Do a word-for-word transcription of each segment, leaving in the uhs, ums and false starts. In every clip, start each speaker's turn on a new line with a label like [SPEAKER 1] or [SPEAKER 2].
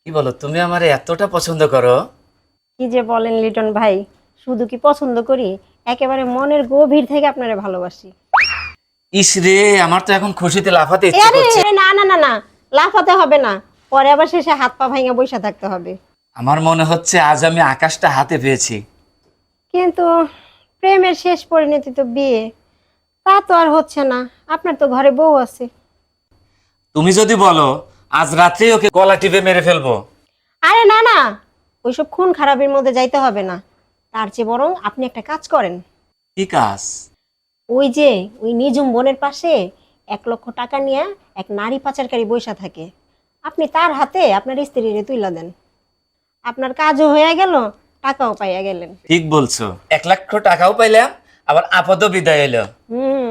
[SPEAKER 1] কি বলো, তুমি আমারে এতটা পছন্দ করো?
[SPEAKER 2] কি যে বলেন লিটন ভাই, শুধু কি পছন্দ করি, একেবারে মনের গভীর থেকে আপনারে ভালোবাসি।
[SPEAKER 1] ইস রে, আমার তো এখন খুশিতে লাফাতে
[SPEAKER 2] এ
[SPEAKER 1] ইচ্ছে
[SPEAKER 2] আরে
[SPEAKER 1] করছে।
[SPEAKER 2] না না না না, লাফাতে হবে না, পরে আবার শেষে হাত পা ভাঙা বসে থাকতে হবে।
[SPEAKER 1] আমার মনে হচ্ছে আজ আমি আকাশটা হাতে পেয়েছি।
[SPEAKER 2] কিন্তু প্রেমের শেষ পরিণতি তো বিয়ে, তা তো আর হচ্ছে না। আপনার তো ঘরে বউ আছে।
[SPEAKER 1] তুমি যদি বলো আজ রাত্রেই ওকে গলা টিপে মেরে ফেলবো।
[SPEAKER 2] আরে না না, ওইসব খুন খারাপের মধ্যে যাইতে হবে না। তার চেয়ে বরং আপনি একটা কাজ করেন।
[SPEAKER 1] কি কাজ?
[SPEAKER 2] ওই যে ওই নিজুম বনের পাশে এক লক্ষ টাকা নিয়ে এক নারী পাচারকারী বৈশা থাকে, আপনি তার হাতে আপনার স্ত্রীরে তুইলা দেন। আপনার কাজও হয়ে গেল, টাকাও পাইয়া গেলেন।
[SPEAKER 1] ঠিক বলছো, এক লক্ষ টাকাও পাইলাম, আবার আপদও বিদায় এলো।
[SPEAKER 2] হুম।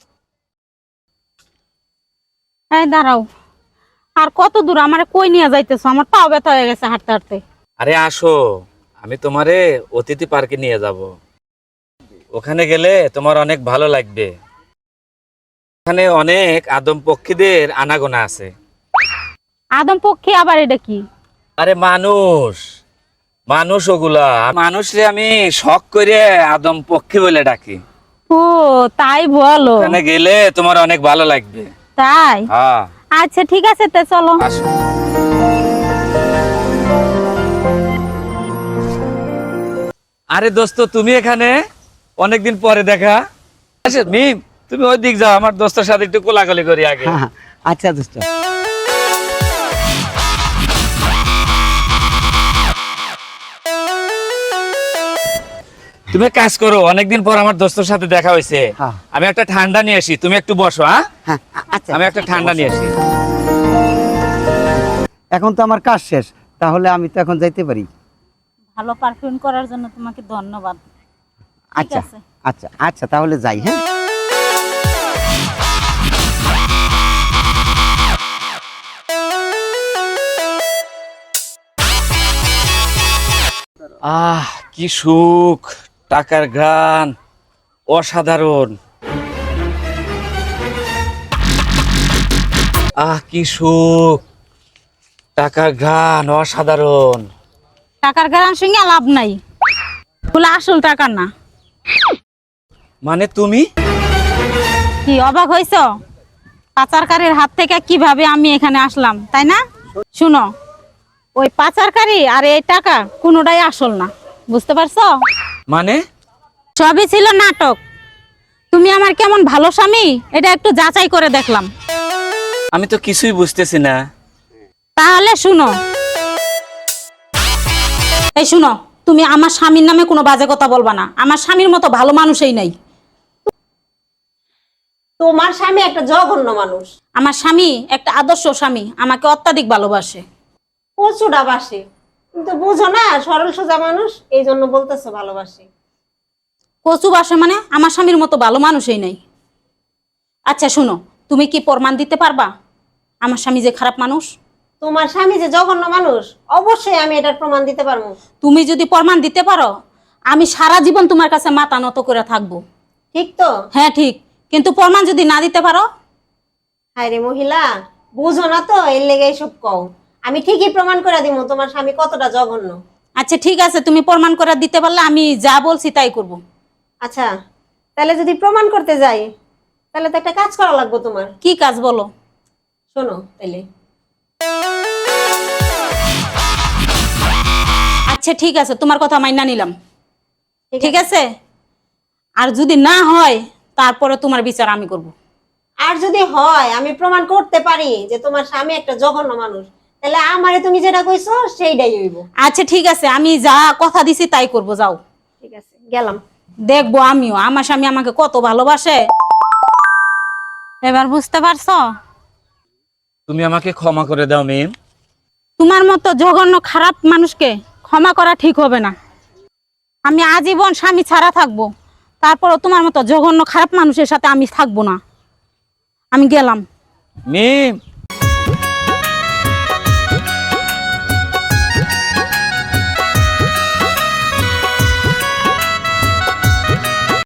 [SPEAKER 3] এই দাঁড়াও, আর কত দূর? আমার কই নিয়ে যাইতেছো? আমার পাও ব্যথা হয়ে গেছে হাঁটতে হাঁটতে।
[SPEAKER 1] আরে আসো, আমি তোমারে অতিথি পার্কে নিয়ে যাব। ওখানে গেলে তোমার অনেক ভালো লাগবে। ওখানে অনেক আদম পক্ষীদের আনাগোনা আছে।
[SPEAKER 3] আদম পক্ষী আবার এটা কি?
[SPEAKER 1] আরে মানুষ, মানুষ ওগুলা মানুষ রে আমি শখ করে আদম পক্ষী বলে ডাকি।
[SPEAKER 3] ও তাই বলো?
[SPEAKER 1] ওখানে গেলে তোমার অনেক ভালো লাগবে।
[SPEAKER 3] তাই?
[SPEAKER 1] হ্যাঁ
[SPEAKER 3] আচ্ছা ঠিক আছে, তে চলো।
[SPEAKER 1] আসো। আরে দোস্ত, তুমি এখানে? অনেকদিন পরে দেখা। আচ্ছা মিম, তুমি ওই দিক যাও, আমার দোস্তের সাথে একটু কোলাকুলি করি আগে।
[SPEAKER 4] আচ্ছা দোস্ত।
[SPEAKER 1] তুমি কাজ করো, অনেকদিন পর আমার দোস্তের সাথে দেখা হয়েছে।
[SPEAKER 4] হ্যাঁ।
[SPEAKER 1] আমি একটা ঠান্ডা নিয়ে আসি, তুমি একটু বসো। হ্যাঁ,
[SPEAKER 4] হ্যাঁ আচ্ছা,
[SPEAKER 1] আমি একটা ঠান্ডা নিয়ে আসি।
[SPEAKER 4] এখন তো আমার কাজ শেষ, তাহলে আমি তো এখন যাইতে পারি।
[SPEAKER 3] ভালো পারফিউম করার জন্য তোমাকে ধন্যবাদ।
[SPEAKER 4] আচ্ছা
[SPEAKER 3] আছে।
[SPEAKER 4] আচ্ছা আচ্ছা, তাহলে যাই। হ্যাঁ,
[SPEAKER 1] আহ কি সুখ, টাকার গান অসাধারণ। আহ কি সুখ, টাকার গান অসাধারণ।
[SPEAKER 3] টাকার গান সঙ্গে লাভ নাই, বলে আসল টাকার না।
[SPEAKER 1] মানে তুমি?
[SPEAKER 3] কি অবাক হইছ? পাচারকারীর হাত থেকে কিভাবে আমি এখানে আসলাম, তাই না? শুনো, ওই পাচারকারী আর এই টাকা কোনোটাই আসল না, বুঝতে পারছো?
[SPEAKER 1] মানে
[SPEAKER 3] সবই ছিল নাটক। তুমি আমার কেমন ভালো স্বামী এটা একটু যাচাই করে দেখলাম।
[SPEAKER 1] আমি তো কিছুই বুঝতেছি না।
[SPEAKER 3] তাহলে শুনো, এই শুনো, তুমি আমার স্বামীর নামে কোনো বাজে কথা বলবা না। আমার স্বামীর মতো ভালো মানুষই নাই।
[SPEAKER 2] তোমার স্বামী একটা জঘন্য মানুষ।
[SPEAKER 3] আমার স্বামী একটা আদর্শ স্বামী, আমাকে অত্যাধিক ভালোবাসে।
[SPEAKER 2] প্রচুরা বাসে, কিন্তু বুঝো না, সরল সোজা মানুষ, এই জন্য বলতেছো ভালোবাসে।
[SPEAKER 3] কচু বাসে মানে? আমার স্বামীর মতো ভালো মানুষই নাই। আচ্ছা শুনো, তুমি কি প্রমাণ দিতে পারবা আমার স্বামী যে খারাপ মানুষ?
[SPEAKER 2] তোমার স্বামী যে জঘন্য মানুষ, অবশ্যই আমি এটার প্রমাণ দিতে পারবো।
[SPEAKER 3] তুমি যদি প্রমাণ দিতে পারো, আমি সারা জীবন তোমার কাছে মাথা নত করে থাকবো।
[SPEAKER 2] ঠিক তো?
[SPEAKER 3] হ্যাঁ ঠিক, কিন্তু প্রমাণ যদি না দিতে পারো?
[SPEAKER 2] হায় রে মহিলা, বুঝো না তো, এর লেগে এইসব কও। আমি ঠিকই প্রমাণ করে দিব তোমার স্বামী কতটা জঘন্য।
[SPEAKER 3] আচ্ছা ঠিক আছে, তুমি প্রমাণ করে দিতে পারলে আমি যা বলছি তাই করব।
[SPEAKER 2] আচ্ছা, তাহলে যদি প্রমাণ করতে যাই, তাহলে তো একটা কাজ করা লাগবে তোমার।
[SPEAKER 3] কি কাজ বলো?
[SPEAKER 2] শোনো তাহলে।
[SPEAKER 3] আচ্ছা ঠিক আছে, তোমার কথা মাইনা নিলাম,
[SPEAKER 2] ঠিক
[SPEAKER 3] ঠিক আছে। আর যদি না হয় তারপরে তোমার বিচার আমি করব।
[SPEAKER 2] আর যদি হয়, আমি প্রমাণ করতে পারি যে তোমার স্বামী একটা জঘন্য মানুষ, তাহলে আমারে তুমি যেটা কইছো সেইটাই হইব।
[SPEAKER 3] আচ্ছা ঠিক আছে, আমি যা কথা দিছি তাই করব, যাও।
[SPEAKER 2] ঠিক আছে, গেলাম।
[SPEAKER 3] দেখবো আমিও আমার স্বামী আমাকে কত ভালোবাসে। এবার বুঝতে পারছো?
[SPEAKER 1] তুমি আমাকে ক্ষমা করে দাও মিম।
[SPEAKER 3] তোমার মতো জঘন্য খারাপ মানুষকে ক্ষমা করা ঠিক হবে না। আমি আজীবন স্বামী ছাড়া থাকবো, তারপরও তোমার মতো জঘন্য খারাপ মানুষের সাথে আমি থাকবো না। আমি গেলাম।
[SPEAKER 1] মিম